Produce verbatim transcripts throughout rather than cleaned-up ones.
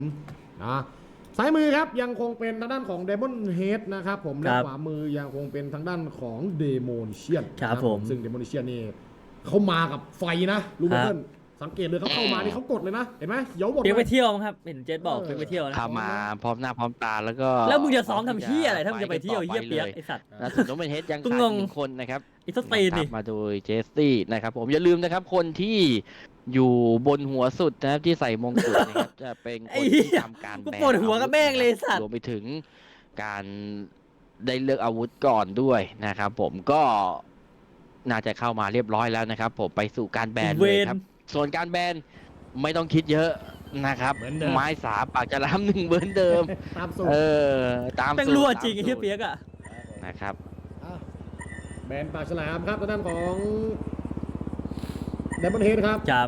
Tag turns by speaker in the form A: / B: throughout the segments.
A: นะซ้ายมือครับยังคงเป็นทางด้านของเดมอนเฮดนะครับผมและขวามือยังคงเป็นทางด้านของเดโมนเชียน
B: ครับผม
A: ซึ่งเดโมนเชียนนี่เขามากับไฟนะรู้ไหมเพื่อนสังเกตเลยเขาเข้ามานี่เขากดเลยนะเห็นไหมเดี๋ยวหมด
B: เพียงไปเที่ยวครับเห็นเจษบอกเพียงไปเที่ยวนะ
C: เข้ามาพร้อมหน้าพร้อมตาแล้วก็
B: แล้วมึงจะซ้อมทำเหี้ยอะไรถ้ามึงจะไปเที่ยวเหี้ยเปียกไอสัตว์
C: นะส่วนน้องเป็นเฮดยังขาดหนึ่งคนนะครับ
B: อีสเตนนี่
C: มาโดยเจสตี้นะครับผมอย่าลืมนะครับคนที่อยู่บนหัวสุดนะครับที่ใส่มงกุฎนะครับจะเป็นคนที่ทำการแบน
B: ปวดหัวกับแม่งเลยสัตว์
C: รวมไปถึงการได้เลือกอาวุธก่อนด้วยนะครับผมก็น่าจะเข้ามาเรียบร้อยแล้วนะครับผมไปสู่การแบนเลยครับส่วนการแบนไม่ต้องคิดเยอะนะครับไม้สาปากจะล้ำหนึ่งเหมือนเดิม
A: ตามสูตร
C: เออตาม
B: เป็นรั่วจริงไอ้เหี้ยเปียกอ่ะ
C: นะครับ
A: แบนปากฉลามครับทางด้านของเดมอนเฮดครับ
B: จับ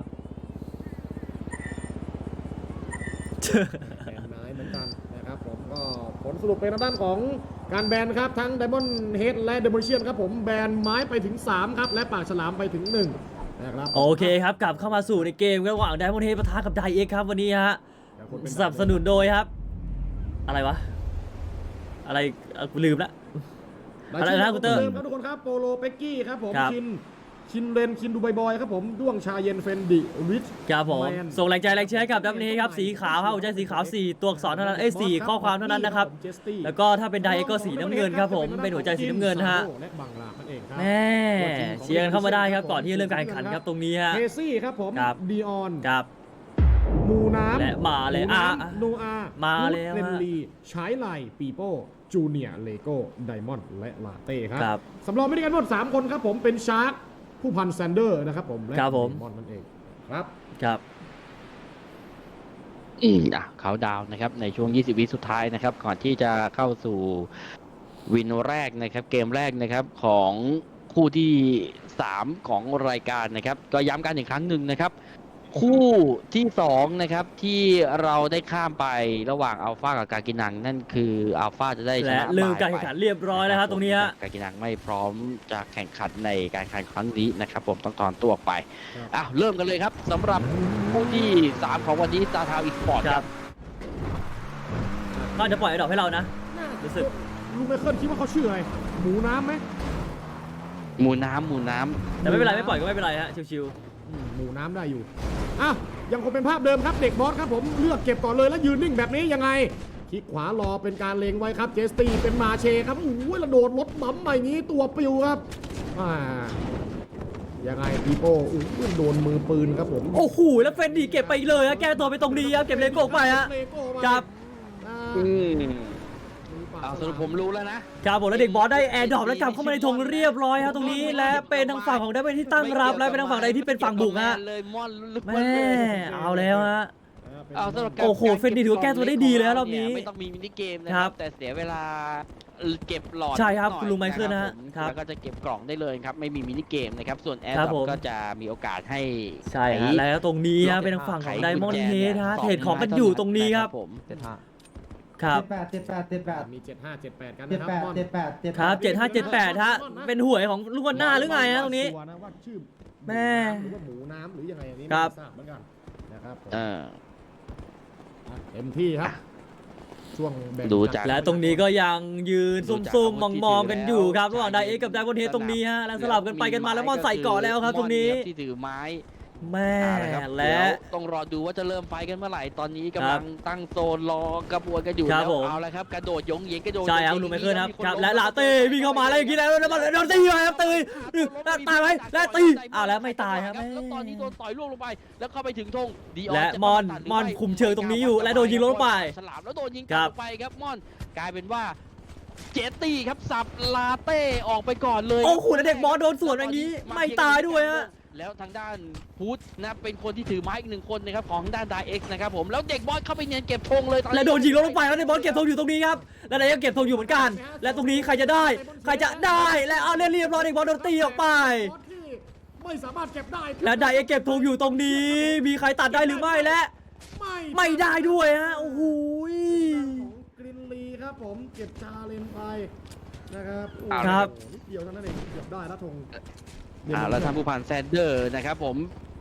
A: แบนไม้เหมือนกันนะครับผมก็ผลสรุปเป็นทางด้านของการแบนครับทั้งเดมอนเฮดและเดมอนเชียนครับผมแบนไม้ไปถึงสามครับและปากฉลามไปถึงหนึ่งนะครับ
B: โอเคครับกลับเข้ามาสู่ในเกมระหว่างไดมอนด์เฮดปะทะกับไดเอ็กครับวันนี้ฮะสนับสนุนโดยครับอะไรวะอะไรกูลืมละ
A: อะไรนะคุณเตอร์ครับทุกคนครับโปโลเป็กกี้ครับผมชินชินเรนชินดูไบบอยครับผมด้วงชาเย็นเฟนดิริช
B: ครับผมส่งแรงใจแรงเชียร์ให้กับดับเบิลเฮดครับสีขาวครับหัวใจสีขาวสี่ตัวอักษรเท่านั้นเอ้ยสี่ข้อความเท่านั้นนะครับแล้วก็ถ้าเป็นไดเอ็กก็สีน้ำเงินครับผมเป็นหัวใจสีน้ำเงินฮะแม่เชียร์เข้ามาได้ครับก่อนที่จะเริ่มการแข่งขันครับตรงนี้ฮะ
A: เคซี่ครับผมดีออน
B: ครับ
A: มูน้ำ
B: และมาเลยอ่ะ
A: โนอา
B: มาเลย
A: เรนลีชายไลปีโป้จูเนียร์เลโก้ไดมอนด์และลาเต้ครับสำรองไม่ได้กันหมดสามคนครับผมเป็นชาร์กผู้พันแซนเดอร์นะครับผมและไดมอนด์นั่นเองครับ
B: ครับ
C: อืมอ่ะเขาดาวนะครับในช่วงยี่สิบวิสุดท้ายนะครับก่อนที่จะเข้าสู่วินแรกนะครับเกมแรกนะครับของคู่ที่สามของรายการนะครับก็ย้ำกันอีกครั้งหนึ่งนะครับคู่ที่สองนะครับที่เราได้ข้ามไประหว่างอัลฟากับกากินังนั่นคืออัลฟาจะได้ชนะ
B: และเริ่มการแข่งขันเรียบร้อยแล้วครับตรงนี้
C: กากินังไม่พร้อมจะแข่งขันในการแข่งขันครั้งนี้นะครับผมต้องถอนตัวไปอ้าวเริ่มกันเลยครับสำหรับคู่ที่สามของวันนี้ซาทาวอีสปอร์ตครับ
B: ก็จะปล่อยไอ้ดอกให้เรานะรู้สึก
A: ลุงไมเคิลคิดว่าเขาชื่ออะไรหมูน้ำไหม
C: หมูน้ำหมูน้ำ
B: แต่ไม่เป็นไรไม่ปล่อยก็ไม่เป็นไรฮะชิว
A: ๆหมูน้ำได้อยู่อ่ะยังคงเป็นภาพเดิมครับเด็กบอสครับผมเลือกเก็บก่อนเลยแล้วยืนนิ่งแบบนี้ยังไงคลิกขวารอเป็นการเลงไว้ครับเจสตี้เป็นมาเชครับโอ้ยระโดดรถบั๊มใหม่นี้ตัวปิวครับอ่ายังไงปีโป้อุ้ยโดนมือปืนครับผม
B: โอ้โหแล้วเฟนดีเก็บไปเลยอะแก้ตัวไปตรงนี้ครับเก็บเลโก้ไปฮะครับ
C: อืมเอาสรุปผมรู้แล้วนะครับ
B: ผมแล้วเด็กบอสได้แอร์ดรอปแล้วกลับเข้ามาในธงเรียบร้อยครับตรงนี้และเป็นทางฝั่งของได้เป็นที่ตั้งรับและเป็นทางฝั่งใดที่เป็นฝั่งบุกฮะแม่เอาแล้วฮะโอ้โหเฟนดีถือว่าแก้ตัวได้ดีแล้วรอบนี้
C: ไม่ต้องมีมินิเกมนะครับแต่เสียเวลาเก็บหลอด
B: ใช่ครับคุณลุงไมเคิลนะครับ
C: แล้วก็จะเก็บกล่องได้เลยครับไม่มีมินิเกมนะครับส่วนแอร์ดรอปก็จะมีโอกาสให้
B: ใช่แล้วตรงนี้ฮะเป็นทางฝั่งของไดมอนด์เฮดฮะเทรดของกันอยู่ตรงนี้ครับ
C: ผม
B: ครับ
D: เจ็ดแปดเจ็ดแปดเจ็ดแปด
A: มีเจ็ดห้าเจ็ดแปดกันนะครับ
D: เจ็ดแปดเจ็ดแปด
B: ครับเจ็ดห้าเจ็ดแปดฮะเป็นหวยของลูกวันหน้าหรือไงฮะตรงนี้แม่
A: หรือว่าหมูน้ำหรือยังไงอันนี้
B: ไม่
A: ทราบเหมือนกันนะครับ
C: อ่า
A: เต็มที่ครับช่วง
C: ดูจาก
B: และตรงนี้ก็ยังยืนซุ่มๆมองๆกันอยู่ครับระหว่างไดเอ็กกับไดมอนด์เฮดตรงนี้ฮะแล้วสลับกันไปกันมาแล้วมอนใส่เกาะแล้วครับตรงนี้
C: ที่ถือไม้
B: แม่และ
C: ต้องรอดูว่าจะเริ่มไฟกันเมื่อไหร่ตอนนี้กำลังตั้งโซนรอกระบวนกันอยู่แล้วเอาละครับกระโดดยงเยงกระโดด
B: ใช่ครับลุงไมเคิลครับครับและลาเต้วิ่งเข้ามาแล้วอย่างนี้แล้วแล้วโดนตีไปครับตีตายไหมและตีอ้าวแล้วไม่ตายครับ
C: แล้วตอนนี้โดนต่อยล่วงลงไปแล้วเข้าไปถึงธง
B: และมอนมอนคุมเชิงตรงนี้อยู่และโดนยิงลงไป
C: ฉลามแล้วโดนยิงกลับไปครับมอนกลายเป็นว่าเจตตี้ครับสับลาเต้ออกไปก่อนเลย
B: โอ้โหแล้วเด็กบอสโดนสวนอย่างนี้ไม่ตายด้วยฮะ
C: แล้วทางด้านพุทธนะเป็นคนที่ถือไม้อีกหนึ่งคนนะครับของด้านไดเอ็กซ์นะครับผมแล้วเด็กบอสเข้าไปเนียนเก็บธงเลย
B: และโดนยิงลงไปแล้วเด็กบอสเก็บธงอยู่ตรงนี้ครับและไดเอ็กซ์เก็บธงอยู่เหมือนกันและตรงนี้ใครจะได้ใครจะได้และเอาเรียบร้อยเด็กบอสโดนตีออกไป
A: ไม่สามารถเก็บได้
B: และไดเอ็กซ์เก็บธงอยู่ตรงนี้มีใครตัดได้หรือไม่และไม่ได้ด้วยฮะโอ้โห
A: กรินลีครับผมเก็บชาเลนไปนะครับ
B: ครับ
A: นิดเดียวเท่านั้นเองเก็บได้แล้วธง
C: อ่าแล้วทางผู้พันแซนเดอร์นะครับผม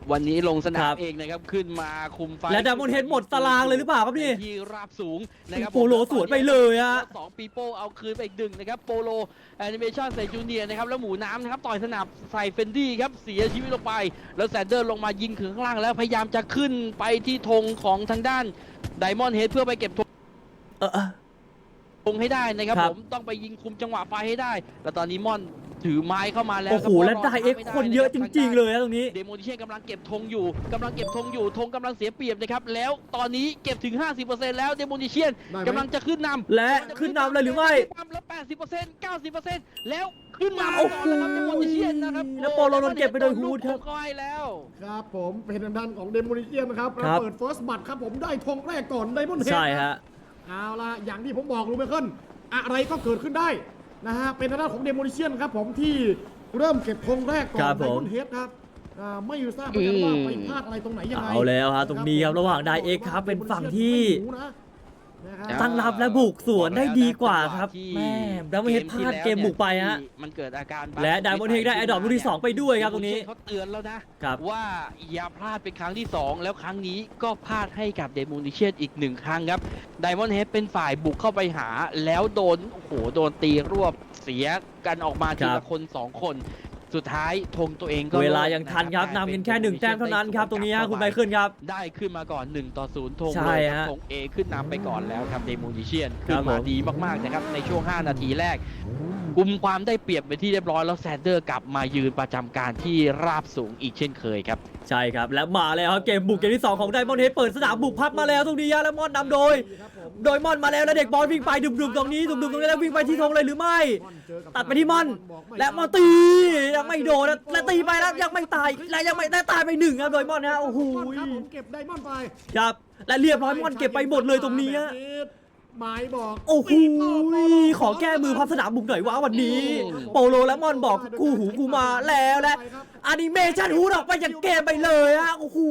C: วันนี้ลงสนา
B: ครั
C: ม
B: บ
C: เองนะครับขึ้นมาคุมไฟ
B: และ Diamond Head หมดตารางเลยหรือเปล่าครับนี่
C: ที่ราบสูงนะครับ
B: โปโลสวนไปเลยอะ
C: สองปีโป้เอาคืนไปอีกหนึ่งนะครับโปโลแอนิเมชันใส่จูเนียร์นะครับแล้วหมูน้ำนะครับต่อยสนับใส่เฟนดี้ครับเสียชีวิตลงไปแล้วแซนเดอร์ลงมายิงถึงข้างล่างแล้วพยายามจะขึ้นไปที่ธงของทางด้านไดมอนด์เฮดเพื่อไปเก็บธง
B: เออเออ
C: ธงให้ได้นะครับ
B: ครับ
C: ผมต้องไปยิงคุมจังหวะไฟให้ได้ แล้วตอนนี้ม่อนถือไม้เข้ามาแล้ว
B: โอ้โหและไดเอ็กคนเยอะจริงๆเลยนะตรงนี้
C: เดโมนิเช่นกำลังเก็บธงอยู่กำลังเก็บธงอยู่ธงกำลังเสียเปรียบนะครับแล้วตอนนี้เก็บถึง ห้าสิบเปอร์เซ็นต์ แล้วเดโมนิเช่น
A: ได้ไหม
C: กำลังจะขึ้นนำ
B: และขึ้นนำเลยหรือไม่
C: แล้ว แปดสิบเปอร์เซ็นต์ เก้าสิบเปอร์เซ็นต์ แล้วขึ้นมา
B: โอ้โห
C: ก่อนแล้วครับเดโมนิเช่นนะครับ
B: แล้วโปโลโดนเก็บไปโดยฮูดครับ
C: โก็ให้แล้ว
A: ครับผมเป็นทางด้านของเดม o นิเชียนนะครับ
B: ครับ
A: เปิดเฟิร์สบัตครับผมได้ธงแรกก่อนไดมอนด์เฮด
B: ใช่ฮะ
A: เอาละอย่างที่ผมบอกลูเบเคิลอะไรก็เกิดขึ้นได้นะฮะเป็นทางด้านของเดม o นิเชียนครับผมที่เริ่มเก็บธงแรกก่อ
B: ครั
A: น
B: บ
A: ได
B: ผม
A: มอนด์เฮดครับอ่าไม่ทราบเหมือนกันว่าไปพลาดอะไรตรงไหนยังไง
B: เอาแล้วฮะตรงนี้ครับระหว่างไดเอ็กครับเป็นฝั่งที่
A: ไม่รู้นะนะครับ
B: ตั้งรับและบุกสวนได้ดีกว่าครับ
C: ที่
B: แม่ดัมเบิลเฮดพลาดเกมบุกไปฮะ
C: ที่มันเกิดอาการ
B: และ Diamond Head ได้ Adopt ลูกที่สองไปด้วยครับตรงนี้
C: เขาเตือนแล้วนะครับ ว่าอย่าพลาดเป็นครั้งที่สองแล้วครั้งนี้ก็พลาดให้กับเดโมนิเชียนอีกหนึ่งครั้งครับไดมอนด์เฮดเป็นฝ่ายบุกเข้าไปหาแล้วโดนโอ้โหโดนตีรวบเสียกันออกมาที
B: ครั
C: ละ
B: บ
C: คนสองคน สุดท้ายธงตัวเองก็
B: เวลายังทันครับนำกันแค่หนึ่งแต้มเท่านั้นครับตรงนี้ฮะคุณไมเคิลครับ
C: ได้ขึ้นมาก่อนหนึ่งต่อศูนย์ธง
B: ใช่
C: เลยครับ
B: ฮะ
C: ธง A ขึ้นนำไปก่อนแล้วครับเดโมนิเชียน
B: ครั
C: ขึ้
B: บ
C: นมา
B: ผม
C: ดีมากๆนะครับในช่วงห้านาทีแรกกุมความได้เปรียบไปที่เรียบร้อยแล้วแซนเดอร์กลับมายืนประจำการที่ราบสูงอีกเช่นเคยครับ
B: ใช่ครับและมาแล้วครับเกมบุกเกมที่สองของไดมอนด์เฮดเปิดสนามบุกพัดมาแล้วตรงนี้ฮะและมอนนำโดย โดยมอนมาแล้วแล้วเด็กบอลวิ่งไปดุมๆตรงนี้ดุมๆตรงนี้แล้ววิ่งไปที่ธงเลยหรือไม่ ตัดไปที่มอนและมอนตียังไม่โดนนะและตีไปแล้วยังไม่ตายและยังไม่ได้ตายไปหนึ่งครับโดยมอนนะโอ้โห
A: ครับผมเก็บไดมอนด์ไป
B: ครับและเรียบร้อยมอนเก็บไปหมดเลยตรงนี้ฮะ
A: หมายบอก
B: โอ้โหขอแก้มือพับสนามบุกหน่อยว่าวันนี้ โปโลและมอนบอกกูหูกูมาแล้วและแอนิเมชันฮูดออกไปจากเกมไปเลยฮะโอ้โห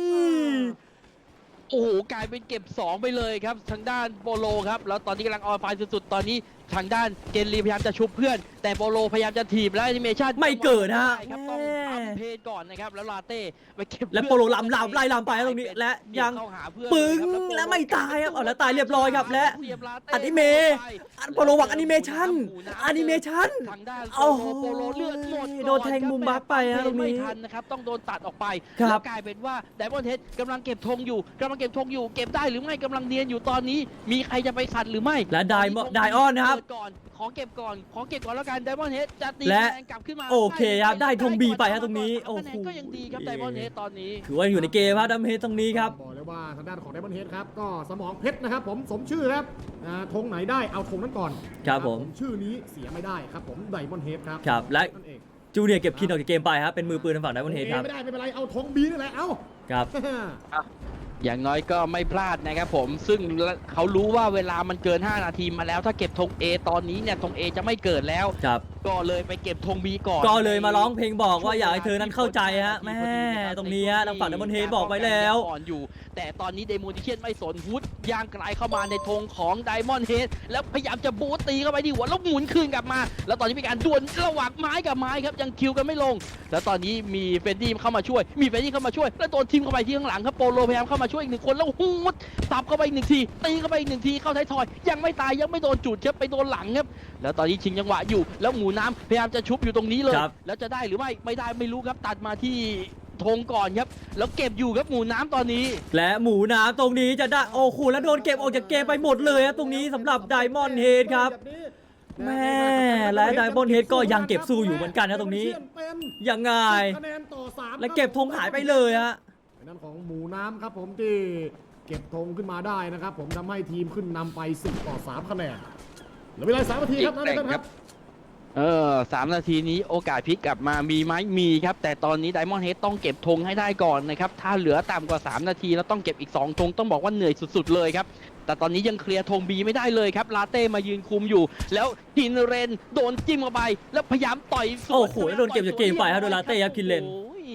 C: โอ้โหกลายเป็นเก็บสองไปเลยครับทางด้านโปโลครับแล้วตอนนี้กำลังออนไฟสุดๆตอนนี้ทางด้านเกนลีพยายามจะชุบเพื่อน แต่โปโลพยายามจะถีบและแอนิเมชัน
B: ไม่เกิดฮะ
C: ใช่ครับต้องทำเพลงก่อนนะครับแล้วลาเต้ไปเก็บ
B: และโปโลลำลำไล่ลำไปตรงนี้และยัง
C: เข้าหาเพื่อน
B: ปึ้ง
C: เลยครับ
B: และไม่ตายครับเอาแล้วตายเรียบร้อยครับและ
C: เสียบลาเต้
B: อนิเมะอันโปโลหวังอนิเมชันอนิเมชัน
C: ทางด้าน
B: โอ้โห
C: โปโลเลือดหมด
B: โดนแทงมุมบัฟไปฮะตรงนี้
C: ไม่ทันนะครับต้องโดนตัดออกไป
B: ครับ
C: แล้วกลายเป็นว่าไดมอนด์เฮดกำลังเก็บธงอยู่กำลังเก็บธงอยู่เก็บได้หรือไม่กำลังเนียนอยู่ตอนนี้ มีใครจะไปขัดหรือไม่
B: และไดมอนไดออนนะครับ
C: เปิดก่อนขอเก็บก่อนขอเก็บก่อนแล้วกันไดมอนด์เฮดจะตี
B: และ
C: คะแนนกลับขึ้นมา
B: โอเคครับได้ธง B ไปฮะ
C: ก่อ
B: ตรงนี้
C: คะแนน
B: โอ้โห
C: ก็ยังดีครับไดมอนด์เฮดตอนนี้
B: ถือว่าอยู่ในเกมครับดัมเฮดตรงนี้ครับ
A: บอกเลยว่าทางด้านของไดมอนด์เฮดครับก็สมองเพชรนะครับผมสมชื่อครับอ่าธงไหนได้เอาธงนั้นก่อน
B: ครับผม
A: ชื่อนี้เสียไม่ได้ครับผมไดมอนด์เฮดครับ
B: ครับและ
A: นั่นเอง
B: จูเนียร์เก็บคินออกจากเกมไปครับเป็นมือปืนทางฝั่งไดมอนด์เฮดครับ
A: ไม่ได้ไม่เป็นไรเอาธงบีนี่แหละเอา
B: ครับ
C: อย่างน้อยก็ไม่พลาดนะครับผมซึ่งเขารู้ว่าเวลามันเกินห้านาทีมาแล้วถ้าเก็บธง A ตอนนี้เนี่ยธง A จะไม่เกิดแล้ว
B: ครับ
C: ก็เลยไปเก็บธง B ก่อน
B: ก็เลยมาร้องเพลงบอกว่าอยากให้เธอนั้นเข้าใจฮะแม่ตรงนี้ฮะทางฝั่งไดมอนด์เฮดบอกไปแล้ว
C: ก่อนอยู่ แต่ตอนนี้เดโมนิเชียนไม่สนฮุดย่างไกลเข้ามาในธงของไดมอนด์เฮดแล้วพยายามจะบูตตีเข้าไปที่หัวแล้วหมุนคืนกลับมา แล้วตอนนี้มีการดวลระหว่างไม้กับไม้ครับยังคิวกันไม่ลง แล้วตอนนี้มีเฟนดี้เข้ามาช่วย มีเฟนดี้เข้ามาช่วยแล้วโดนทีมเข้าไปที่ข้างหลังครับโปโลพยายามเข้ามาช่วยอีกหนึ่งคนแล้วฮูดสับเข้าไปอีกหนึ่งทีตีเข้าไปอีกหนึ่งทีเข้าท้ายทอยยังไม่ตายยังไม่โดนจุดครับไปโดนหลังครับแล้วตอนนี้ชิงจังหวะอยู่แล้วหมูน้ำพยายามจะชุบอยู่ตรงนี้เลย
B: ครับ
C: แล้วจะได้หรือไม่ไม่ได้ไม่รู้ครับตัดมาที่ธงก่อนครับแล้วเก็บอยู่ครับหมูน้ำตอนนี้
B: และหมูน้ำตรงนี้จะได้โอ้โหแล้วโดนเก็บออกจากเกมไปหมดเลยฮะตรงนี้สำหรับไดมอนด์เฮดครับ แม่และไดมอนด์เฮดก็ยังเก็บสู้อยู่เหมือนกันนะตรงนี้ ยังไง
A: คะแนนต่อสาม
B: และเก็บธงหายไปเลยฮะ
A: เป็นนั่นของหมูน้ำครับผมที่เก็บธงขึ้นมาได้นะครับผมทำให้ทีมขึ้นนำไปสิบต่อสามคะแนนเหลือเวลาสามนาทีครับนั่นเองครับ
C: เออสามนาทีนี้โอกาสพลิกกลับมามีไหมมีครับ แต่ตอนนี้ไดมอนด์เฮดต้องเก็บธงให้ได้ก่อนนะครับ ถ้าเหลือต่ำกว่า สาม นาทีแล้วต้องเก็บอีก สอง ธงต้องบอกว่าเหนื่อยสุดๆเลยครับ แต่ตอนนี้ยังเคลียร์ธงบีไม่ได้เลยครับลาเต้มายืนคุมอยู่ แล้วคินเรนโดนจิ้มเข้าไป แล้วพยายามต่อยสวน
B: โอ้โหโดนเก็บจากเกมไปครับโดยลาเต้ครับคินเรน
C: โอ้ย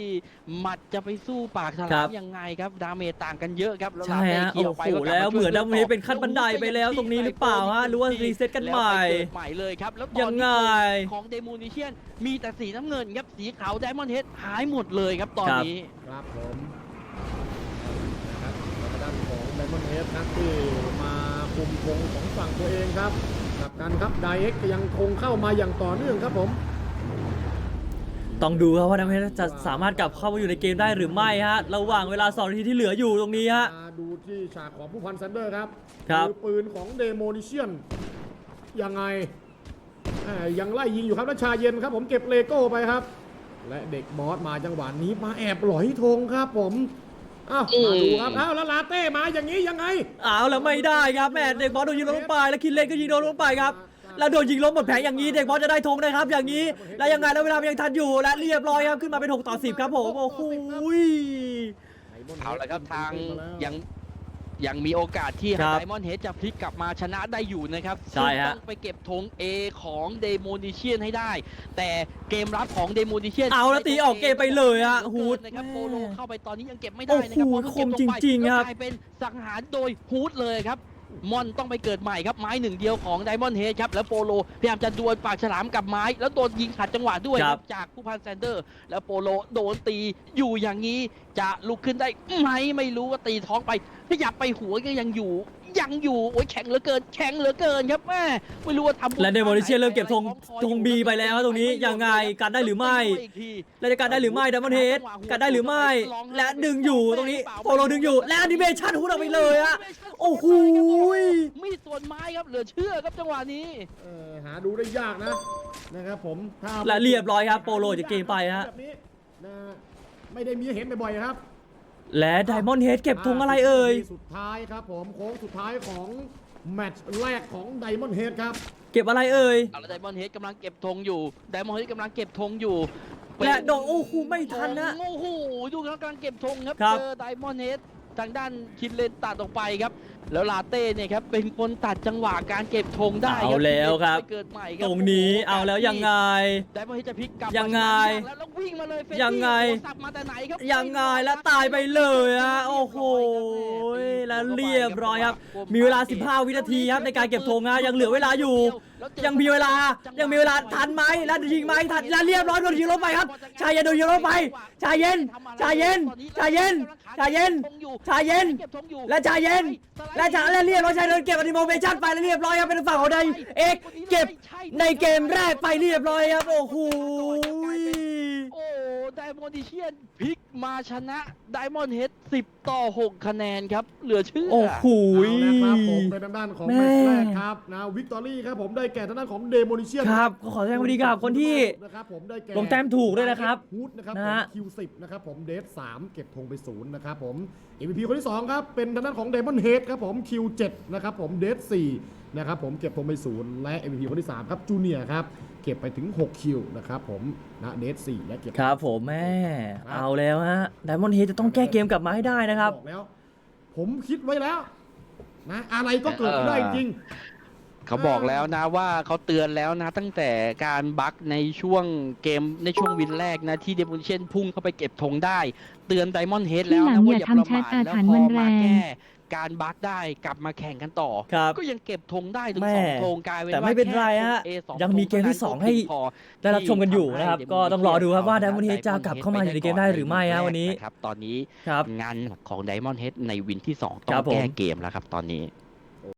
C: หมัดจะไปสู้ปากฉ
B: ครั
C: ลาม
B: บ
C: ยังไงครับดาเมจต่างกันเยอะครับแล้ว
B: ใช่
C: ลาเต้
B: ฮะ
C: เคลีย
B: โอ้
C: ร์ไป
B: โห
C: ก็กบ
B: แล้ว
C: มาช่ย
B: เหมือนดัมเบลเฮด
C: ต่
B: เป็นขั้นบันไดไปแล้วตรงนี้หรือเปล่าฮะหรือว่ารีเซ็ตกันใหม่
C: แล้วไปเกิดใหม่เลยครับแล้วต
B: ยั
C: อน
B: ง
C: นี้
B: ไง
C: ของเดโมนิเชียนมีแต่สีน้ำเงินครับสีขาวไดมอนด์เฮดหายหมดเลยครับตอนนี้
A: ครับผมนะครับทางด้านของไดมอนด์เฮดครับที่มาคุมธงของฝั่งตัวเองครับกลับกันครับไดเอ็กยังคงเข้ามาอย่างต่อเนื่องครับผม
B: ต้องดูครับว่าดัมเบลเฮดจะสามารถกลับเข้ามาอยู่ในเกมได้หรือไม่ฮะระหว่างเวลาสองนาทีที่เหลืออยู่ตรงนี้ฮะ
A: มาดูที่ฉากของผู้พันแซนเดอร์ครับ
B: ครับ
A: อปืนของเดโมนิเชียนยังไงแหม่ยังไล่ยิงอยู่ครับแล้วชาเย็นครับผมเก็บเลโก้ไปครับ และเด็กบอสมาจังหวะนี้มาแอบหลอยธงครับผมอ้าวมาดูครับอ้าวแล้วลาเต้มาอย่างนี้ยังไง
B: เอาแล้วไม่ได้ครับแม่เด็กบอลโดนยิงล้มลงไปแล้วคินเลนก็ยิงโดนลงไปครับแล้วโดนยิงล้มหมดแผงอย่างนี้เด็กบอลจะได้ธงนะครับอย่างนี้แล้วยังไงแล้วเวลามันยังทันอยู่และเรียบร้อยครับขึ้นมาเป็นหกต่อสิบครับผมโอ้โห
C: เอาละครับทางยังยังมีโอกาสที่
B: ครับ
C: ไดมอนด์เฮดจะพลิกกลับมาชนะได้อยู่นะครับ
B: ใช่ฮะ
C: ซึ่งต้องไปเก็บธง A ของเดโมนิเชียนให้ได้ แต่เกมรับของเดโมนิเชียน
B: เอาแล้วตีออกเกมไปเลยฮะ
C: ฮู
B: ฮู
C: ด
B: ด
C: นะครับโปโลเข้าไปตอนนี้ยังเก็บไม่
B: โอ้
C: ได้นะครับ
B: โห
C: เพราะเพิ่งเก็บลง
B: คม
C: ไป
B: จริงๆ
C: แล้ว
B: ครับ
C: กลายเป็นสังหารโดยฮูดเลยครับมอนต้องไปเกิดใหม่ครับไม้หนึ่งเดียวของไดมอนด์เฮดครับแล้วโปโลพยายามจะดวลปากฉลามกับไม้ แล้วโดนยิงขัดจังหวะด้วย
B: ครับ
C: จากผู้พันแซนเดอร์ แล้วโปโลโดนตีอยู่อย่างนี้จะลุกขึ้นได้ไหมไม่รู้ว่าตีท้องไปขยับไปหัวก็ยังอยู่ยังอยู่โอ้ยแข็งเหลือเกินแข็งเหลือเกินครับแม่ไม่รู้ว่าทำ
B: และเดโมนิเชียนเริ่มเก็บธงธง B ไปแล้วครับตรงนี้ยังไงการได้หรือไม่ และจะการได้หรือไม่ดัมเบิลเฮดการได้หรือไม่ และดึงอยู่ตรงนี้โปโลดึงอยู่และแอนิเมชันฮูดออกไปเลยฮะโอ้โห
C: มีดส่วนไม้ครับเหลือเชื่อครับจังหวะนี้
A: เอ่อหาดูได้ยากนะนะครับผมถ้า
B: และเรียบร้อยครับโปโลจากเกมไปฮะ
A: แบบนี้นะไม่ได้มีให้เห็นบ่อยๆครับ
B: และไดมอนด์เฮดเก็บธงอะไรเอ่ย
A: สุดท้ายครับผมโค้งสุดท้ายของแมตช์แรกของไดมอนด์เฮดครับ
B: เก็บอะไรเอ่ย
C: เอาละไดมอนด์เฮดกำลังเก็บธงอยู่ไดมอนด์เฮดกำลังเก็บธงอยู่
B: และโดนโอ้โหไม่ทันนะ
C: โอ้โหดูครับกำลังเก็บธงครับ
B: ครับ
C: เจอไดมอนด์เฮดทางด้านคินเลนตัดออกไปครับ แล้วลาเต้เนี่ยครับเป็นคนตัดจังหวะการเก็บธงได้
B: เอาแล้วครับ
C: ไปเกิดใหม่ค
B: ต
C: บ
B: รงนี้เอาแล้วยังไง
C: ไดมอนด์เฮดจะพลิกกลับ
B: ยังไง
C: แล้วแล้ววิ่งมาเลยเฟรดดี้
B: ยังไง
C: โอ้โหสับมาแต่ไหนครับ
B: ยังไงแล้วตายไปเลยฮะโอ้โหแล้วเรียบร้อยครับ มีเวลาสิบห้าวินาทีครับในการเก็บธงฮะยังเหลือเวลาอยู่ ยังมีเวลายังมีเวลาทันไหมแล้วยิงไหมทันแล้วเรียบร้อยโดนยิงลงไปครับชายเย็นโดนยิงลงไปชายเย็นชายเย็นชายเย็นชายเย็นชายเย็นและชายเย็นและชายและเรียบร้อยชายเดินเก็บอนิโมเมชั่นไปแล้วเรียบร้อยครับเป็นฝั่งของไดเอ็กเก็บในเกมแรกไปเรียบร้อยครับโอ้โห
C: โอ้ไดมอนดิเชียนพลิกมาชนะไดมอนด์เฮดสิบต่อหกคะแนนครับเหลือเชื่อ
B: โอ้โห
A: เอาละครับผมเป็นทางด้านของ
B: แม่
A: แมตช์แรกครับนะวิกตอรี่ครับผมได้แก่ทางด้านของเดโมนิเชียน
B: ครับก็ขอแสดงความยินดีกับคนที่
A: นะครับผมได้แก่
B: ลงแต้มถูกด้วยนะครับ
A: ฮูดนะครับ
B: นะ
A: ผม
B: ฮะ
A: คิวสิบนะครับผมเดฟสามเก็บธงไปศูนย์นะครับผม เอ็ม วี พี คนที่สองครับเป็นทางด้านของเดมอนเฮดครับผมคิวเจ็ดนะครับผมเดฟสี่นะครับผมเก็บธงไปศูนย์และ เอ็ม วี พี คนที่สามครับจูเนียร์ครับเก็บไปถึงหกคิวนะครับผมนะเดฟสี่และเก็บ
B: ครับผมแม่เอาแล้วฮะไดมอนด์เฮดจะต้องแก้เกมกลับมาให้ได้นะครับ
A: อกแล้ว ผมคิดไว้แล้วนะอะไรก็เกิดขึ้นได้จริง
C: เขาบอกแล้วนะว่าเขาเตือนแล้วนะตั้งแต่การบั๊กในช่วงเกมในช่วงวินแรกนะที่เดมอนเชนพุ่งเข้าไปเก็บธงได้ เตือนไดมอนด์เฮดแล้วนะว่าอย่าประมาทแล้วพอมาแก้การบั๊กได้กลับมาแข่งกันต่อ
B: ครับ
C: ก็ยังเก็บธงได้ถึง
B: แม่
C: สองธงกลายเป็น
B: แต่
C: ว่า
B: ไม่เป็นไรฮะ
C: แค่ A สอ
B: ยังมีเกมที่สองให้
C: พอ
B: ได้รับชมกันอยู่นะครับก็ต้องรอดูครับว่า Diamond Head จะกลับเข้ามาอยู่ในเกมได้หรือไม่ฮะวันนี้
C: ครับตอนนี้
B: ครับ
C: งานของ Diamond Head ในวินที่สองต้อ
B: ครับ
C: ง
B: ผม
C: แก้เกมแล้วครับตอนนี้